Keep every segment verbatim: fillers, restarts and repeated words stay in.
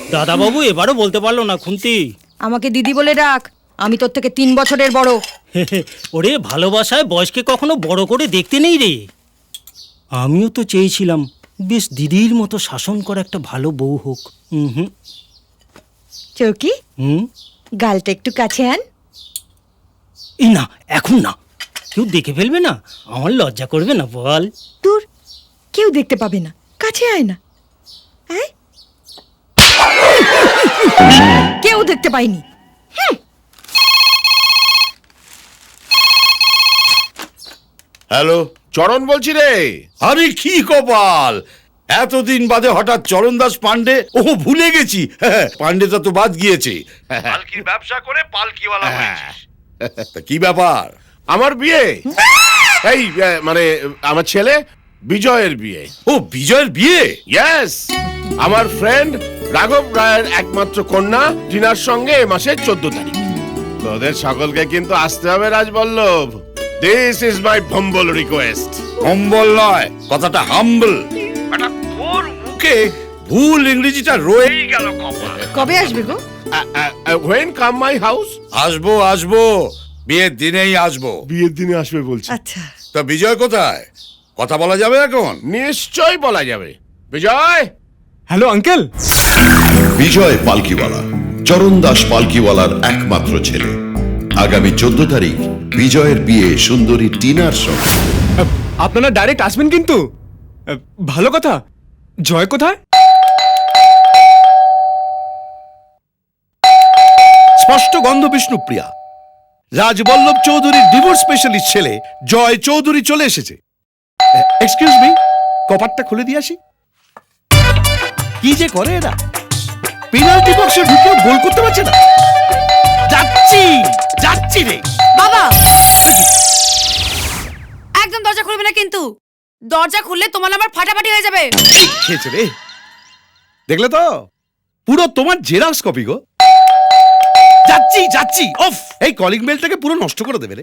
দাদা বাবু এবারও বলতে পারলো না খুন্তি। আমাকে দিদি বলে ডাক, আমি তোর থেকে তিন বছরের বড়। ওরে ভালোবাসায় বয়সকে কখনো বড় করে দেখতে নেই রে। আমিও তো চেয়েছিলাম বেশ দিদির মতো শাসন করা একটা ভালো বউ হোক। হুম চৌকি, হুম গালটা একটু কাছে আন। এই না, এখন না, কেউ দেখে ফেলবে না, আমার লজ্জা করবে না বল? দূর, কেউ দেখতে পাবে না, কাছে আয় না। আয়। কেউ দেখতে পাইনি। হ্যালো, চরণ বলছি রে। আরে কি কপাল, এতদিন বাদে হঠাৎ চরণ দাস পান্ডে। ও ভুলে গেছি, পান্ডেটা তো বাদ গিয়েছে। পালকির ব্যবসা করে পালকিওয়ালা হয়েছিস। তা কি ব্যাপার? আমার বিয়ে, এই আহ, মানে আমার ছেলে বিজয়ের বিয়ে। ও বিজয়ের বিয়ে? ইয়েস, আমার ফ্রেন্ড রাঘব রায়ের একমাত্র কন্যা টিনার সঙ্গে এ মাসের চোদ্দ তারিখ। তোদের সকলকে কিন্তু আসতে হবে Rajballabh. This is my humble request. Humble নয়, কথাটা হাম্বল। এটা তোর মুখে ভুল ইংরেজিটা রয়েই গেল কপাল। কবে আসবে গো? When come my house? আসবো আসবো, বিয়ের দিনেই আসবো। বিয়ের দিনে আসবে বলছি। আচ্ছা, তা বিজয় কোথায়? কথা বলা যাবে এখন? নিশ্চয় বলা যাবে। বিজয়। Hello uncle. বিজয় পালকিওয়ালা, চরণ দাস পালকিওয়ালার একমাত্র ছেলে। আগামী চোদ্দ তারিখ বিজয়ের বিয়ে সুন্দরী টিনার সঙ্গে। আপনারা ডাইরেক্ট আসবেন কিন্তু? ভালো কথা। জয় কোথায়? স্পষ্ট গন্ধ বিষ্ণুপ্রিয়া। রাজবল্লভ চৌধুরীর ডিভোর্স স্পেশালিস্ট ছেলে জয় চৌধুরী চলে এসেছে। এক্সকিউজ মি, কপারটা খুলে দিয়ে আসি। কি যে করে এরা, পেনাল্টি বক্সে ঢুকে গোল করতে পারছে না। যাচ্ছি যাচ্ছি রে বাবা, একদম দরজা খুলবে না কিন্তু। দরজা খুললে তোমার আবার ফাটাফাটি হয়ে যাবে। খেয়েছে রে, দেখলে তো পুরো তোমার জেরক্স কপি গো। যাচ্ছি যাচ্ছি। অফ, এই কলিং বেলটাকে পুরো নষ্ট করে দেবে রে।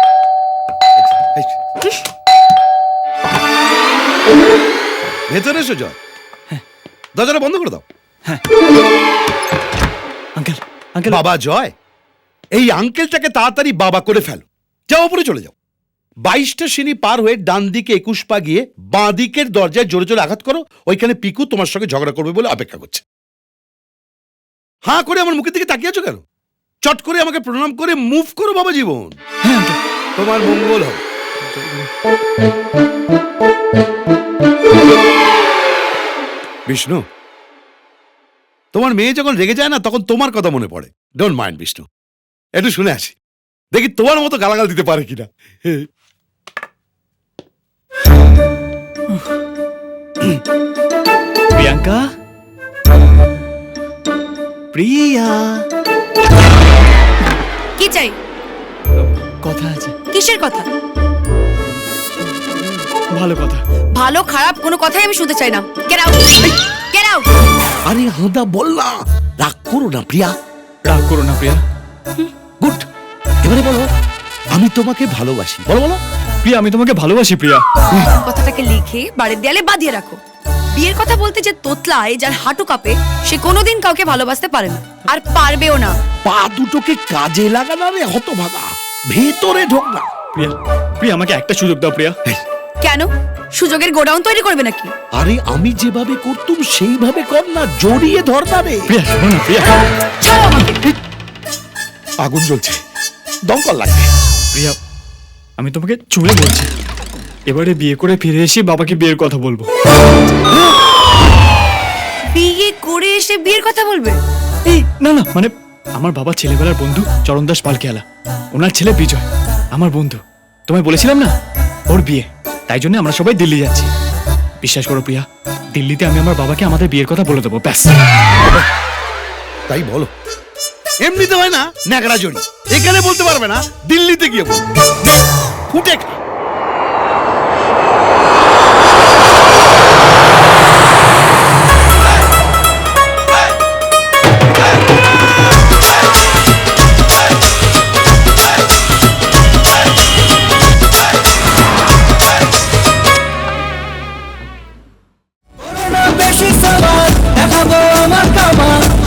ভেতরে এসো জয়, দরজাটা বন্ধ করে দাও। আঙ্কেল আঙ্কেল বাবা জয়, এই আঙ্কেলটাকে তাড়াতাড়ি বাবা করে ফেলো। যাও উপরে চলে যাও। বাইশটা সিঁড়ি পার হয়ে ডান দিকে একুশ পা গিয়ে বাঁ দিকের দরজায় জোরে জোরে আঘাত করো। ওইখানে পিকু তোমার সঙ্গে ঝগড়া করবে বলে অপেক্ষা করছে। হাঁ করে আমার মুখের দিকে তাকিয়ে আছো কেন? চট করে আমাকে প্রণাম করে মুভ করো বাবা জীবন। তোমার মঙ্গল হবে। বিষ্ণু, তোমার মেয়ে যখন রেগে যায় না তখন তোমার কথা মনে পড়ে। ডোন্ট মাইন্ড বিষ্ণু, একটু শুনে আসি, দেখি তোমার মতো গালাগাল দিতে পারে কিনা। প্রিয়াঙ্কা, প্রিয়া, কি চাই? কথা আছে। কিসের কথা? ভালো কথা। ভালো খারাপ কোনো কথাই আমি শুনতে চাই না। Get out, get out. আরে হাঁদা বল না, রাগ করো না প্রিয়া। রাগ করো না প্রিয়া। গুড, এবারে বলো আমি তোমাকে ভালোবাসি। বলো বলো। প্রিয়া, আমি তোমাকে ভালোবাসি প্রিয়া। কথাটাকে লিখে বাড়ির দেয়ালে বাঁধিয়ে রাখো। বিয়ের কথা বলতে যে তোতলায়, যার হাঁটু কাঁপে, সে কোনোদিন কাউকে ভালোবাসতে পারে না, আর পারবেও না। পা দুটোকে কাজে লাগানা রে হতভাগা, ভেতরে ঢোক না। প্রিয়া, প্রিয়া আমাকে একটা সুযোগ দাও প্রিয়া। কেন? সুযোগের গোডাউন তৈরি করবে নাকি? আরে আমি যেভাবে করতুম সেইভাবে কর না, জড়িয়ে ধর না রে। প্রিয়া শোনো না প্রিয়া। ছাড়ো আমাকে। আগুন জ্বলছে, দমকল লাগবে। প্রিয়া, আমি তোমাকে চুলে বলছি, এবারে বিয়ে করে ফিরে এসে বাবাকে বিয়ের কথা বলবো। বিয়ে করে এসে বিয়ের কথা বলবে? এই না না, মানে আমার বাবা ছেলেবেলার বন্ধু চরণ দাস পালকিওয়ালা, ওনার ছেলে বিজয় আমার বন্ধু। তোমায় বলেছিলাম না ওর বিয়ে, তাই জন্য আমরা সবাই দিল্লি যাচ্ছি। বিশ্বাস করো প্রিয়া, দিল্লিতে আমি আমার বাবাকে আমাদের বিয়ের কথা বলে দেবো, ব্যাস। তাই বলো? এমনিতে হয় না ন্যাকড়া জড়ি, এখানে বলতে পারবে না, দিল্লিতে গিয়ে বলবে। ফুটে খা। বেশি সবার দেখাবো আমার কামাল।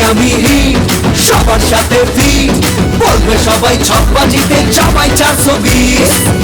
আমি হিট, সবার সাথে ফিট, বলবে সবাই ছকবাজিতে জামাই চারশো বিশ।